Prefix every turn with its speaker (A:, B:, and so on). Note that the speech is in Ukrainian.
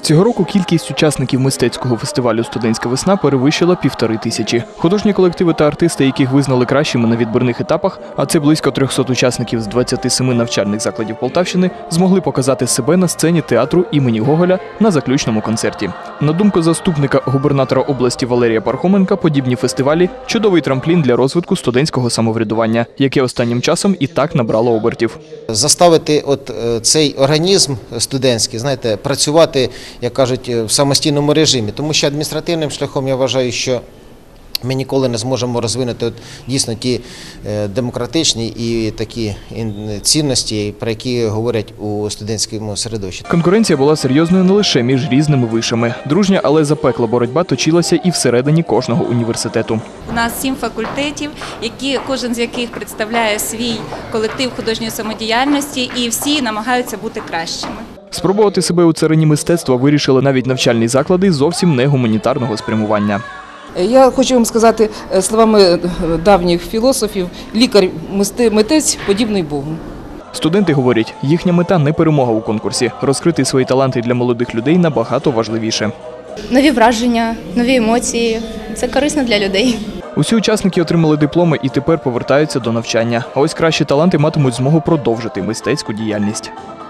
A: Цього року кількість учасників мистецького фестивалю «Студентська весна» перевищила 1500. Художні колективи та артисти, яких визнали кращими на відбірних етапах, а це близько 300 учасників з 27 навчальних закладів Полтавщини, змогли показати себе на сцені театру імені Гоголя на заключному концерті. На думку заступника губернатора області Валерія Пархоменка, подібні фестивалі – чудовий трамплін для розвитку студентського самоврядування, яке останнім часом і так набрало обертів.
B: Заставити цей організм студентський, знаєте, працювати, як кажуть, в самостійному режимі. Тому що адміністративним шляхом я вважаю, що ми ніколи не зможемо розвинути дійсно ті демократичні і такі цінності, про які говорять у студентському середовищі.
A: Конкуренція була серйозною не лише між різними вишами. Дружня, але запекла боротьба точилася і всередині кожного університету.
C: У нас 7 факультетів, кожен з яких представляє свій колектив художньої самодіяльності, і всі намагаються бути кращими.
A: Спробувати себе у царині мистецтва вирішили навіть навчальні заклади зовсім не гуманітарного спрямування.
D: Я хочу вам сказати словами давніх філософів, лікар-митець подібний Богу.
A: Студенти говорять, їхня мета не перемога у конкурсі. Розкрити свої таланти для молодих людей набагато важливіше.
E: Нові враження, нові емоції – це корисно для людей.
A: Усі учасники отримали дипломи і тепер повертаються до навчання. А ось кращі таланти матимуть змогу продовжити мистецьку діяльність.